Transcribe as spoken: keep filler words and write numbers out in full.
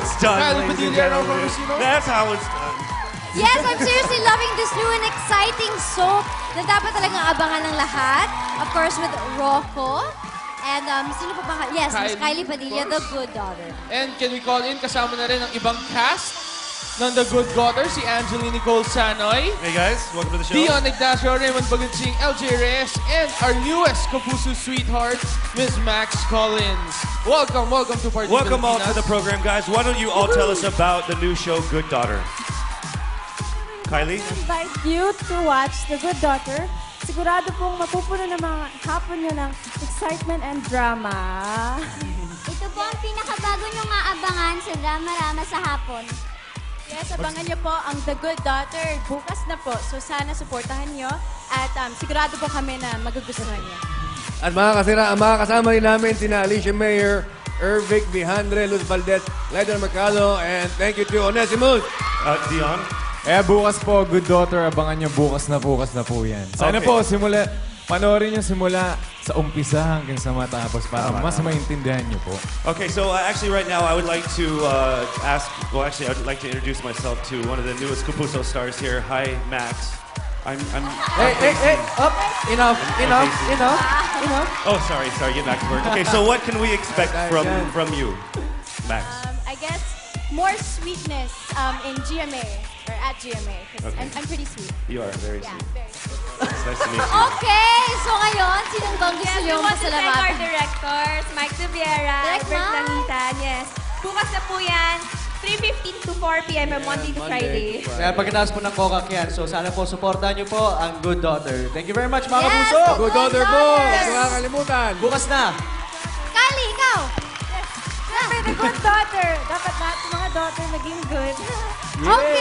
it's done, Kylie ladies and Padilla, Ro gentlemen. Marcino. That's how it's done. Yes, I'm seriously loving this new and exciting soap na dapat talagang abangan ng lahat. Of course, with Rocco. And um, sino pa ba? Yes, Miss Kylie, Kylie Padilla, of the course. good daughter. And can we call in, kasama na rin ang ibang cast ng The Good Daughter, si Angeline Nicole Sanoy, Hey guys, welcome to the show. Dion Ignacio, Raymond Bagunsing, L J Reyes, and our newest Kapuso sweetheart, Miss Max Collins. Welcome, welcome to Party Welcome all to Pilipinas. the program, guys. Why don't you all tell us about the new show, Good Daughter? Kylie? Invite you to watch The Good Daughter. Sigurado pong mapupuno ng mga hapon nyo ng excitement and drama. Ito po ang pinakabago nyong aabangan sa drama-rama sa hapon. Yes, abangan nyo po ang The Good Daughter. Bukas na po. So sana supportahan nyo. At um, sigurado po kami na magugustuhan nyo. At mga kasira, ang mga kasama rin namin, sina Alicia Mayer, Ervic Vijandre, Luz Valdez, Leonard Mercado, and thank you to Onesimus. Uh, Dion? Eh, bukas po, Good Daughter, abangan nyo bukas na bukas na po yan. Sana Okay. po, simula, panoorin nyo simula sa umpisa hanggang sa matapos para mas maintindihan nyo po. Okay, so uh, actually right now I would like to uh, ask, well actually I would like to introduce myself to one of the newest Kapuso stars here. Hi, Max. I'm, I'm, Hey, hey, hey, up, enough, enough, enough, enough. Oh, sorry, sorry, get back to work. Okay, so what can we expect from, from you, Max? Um, I guess more sweetness um, in G M A or at G M A. 'Cause Okay. I'm, I'm pretty sweet. You are very Yeah, sweet. very sweet. It's nice to meet you. Okay, so ngayon, sinong bang gusto Yes, we niyong want to thank our pasalamatan? directors, Mike Tubiera, Direct Albert Mike. Langitan, yes. Bukas na po yan, three fifteen to four p m Monday to Friday. Kaya pagkatapos po ng Coca yan, so sana po supportahan niyo po ang Good Daughter. Thank you very much, mga Yes, kapuso! Good Good daughter po, Daughter. huwag kakalimutan. Bukas na! Kylie, ikaw! Siyempre, The Good Daughter. Dapat lahat ng mga daughter maging good. Okay!